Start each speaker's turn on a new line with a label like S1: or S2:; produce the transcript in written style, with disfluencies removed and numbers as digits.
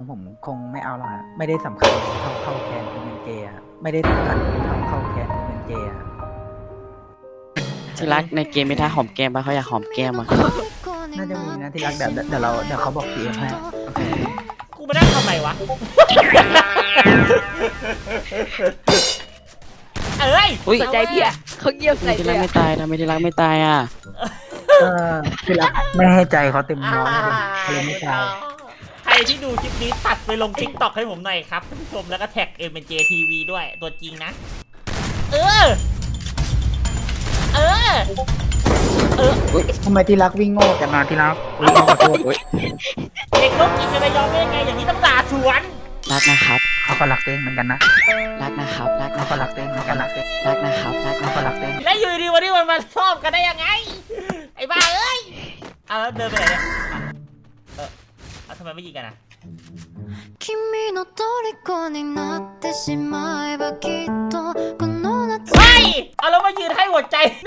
S1: ผมคงไม่เอาหรอกฮะไม่ได้สำคัญเท่าเข้าแคนเป็นเกย์อะไม่ได้สำคัญเท่าเข้าแคนเป็นเกย์อะ
S2: ที่รักในเกมไม่ท่าหอมแก้มปะเขาอยากหอมแก้มอะ
S1: น่าจะมีนะที่รักเดี๋ยวเขาบอกทีเอ็มให้
S3: กูมานั่งทำไมวะ เอ้ย
S2: อุ้ย
S4: สนใจพี่อะเขาเงียบใส่
S2: ที่
S4: เล
S2: รัก
S4: ย
S2: ไม่ตายทำไมที่รักไม่ตายอ่ะ
S1: ก็ที่รักไม่ให้ใจเขาเต็มร้อยเลยไม่ใช่
S3: ใครที่ดูคลิปนี้ตัดไปลง TikTok ให้ผมหน่อยครับท่านผู้ชมแล้วก็แท็ก MNJ TV ด้วยตัวจริงนะ เออ เออ
S1: ทำไมที่รักวิ่งโง่กันมาที่รักวิ่งโง่ขอโทษ
S3: เด็กลูกกินจะไปยอมได้ยังไงอย่างนี้ต้องด่าสวน
S2: รักนะครับ
S1: เขาก็รักเต้งเหมือนกันนะ
S2: รักนะครับรัก
S1: เขา
S2: นะค
S1: ก็
S2: รับ
S1: รักเต้งเหมือนกันรักเต้ง
S2: รักนะครับรัก
S1: เขา
S2: นะค
S1: ก็
S2: รับ
S1: รักเต้ง
S3: แล้วอยู่ดีวันนี้มันมาชอบกันได้ยังไง ไอ้บ้าเอ้ยเอาแล้วเดินไปไหนเนี่ยเอาทำไมไม่ยิงกันอ่ะ
S5: 君の虜になってしまえばきっとこの夏
S3: เฮ้ยเอาแล้วมายืนให้หัวใจ